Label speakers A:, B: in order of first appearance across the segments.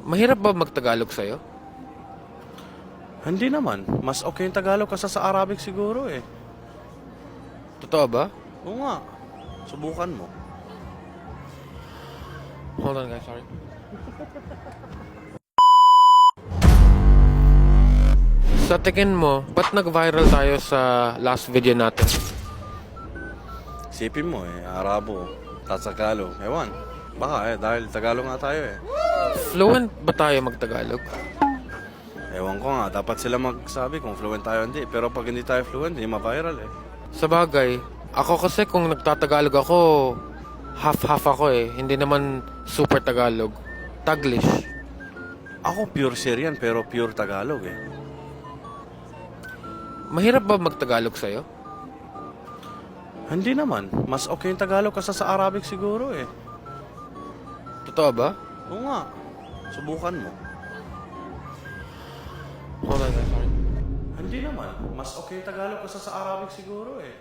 A: Mahirap ba magtagalog sa'yo?
B: Hindi naman. Mas okay yung Tagalog kasi sa Arabic siguro eh.
A: Totoo ba?
B: Oo nga. Subukan mo.
A: Hold on guys, sorry. Sa tingin mo, ba't nag-viral tayo sa last video natin?
B: Isipin mo eh, Arabo, Tagalog. Ewan. Baka dahil Tagalog nga tayo eh.
A: Fluent ba tayo magtagalog?
B: Ewan ko nga, dapat sila magsabi kung fluent tayo hindi. Pero pag hindi tayo fluent, hindi ma-viral eh.
A: Sa bagay, ako kasi kung nagtatagalog ako, half-half ako eh. Hindi naman super Tagalog. Taglish.
B: Ako pure Syrian pero pure Tagalog eh.
A: Mahirap ba magtagalog sa'yo?
B: Hindi naman. Mas okay yung Tagalog kasi sa Arabic siguro eh.
A: Totoo ba?
B: Oo nga. Subukan mo.
A: Hold on guys, sorry.
B: Hindi naman. Mas okay yung Tagalog kasi sa Arabic siguro eh.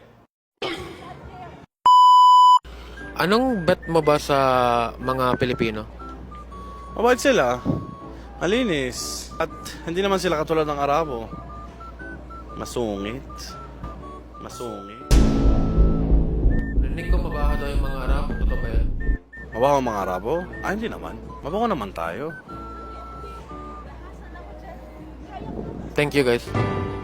A: Anong bet mo ba sa mga Pilipino?
B: Mabait sila. Malinis. At hindi naman sila katulad ng Arabo. Masungit. Masungit.
A: Rinig ko mabaho daw yung mga Arab. Totoo ba yan?
B: Mabaho ang mga Arabo? Ah, hindi naman. Mabaho naman tayo.
A: Thank you guys.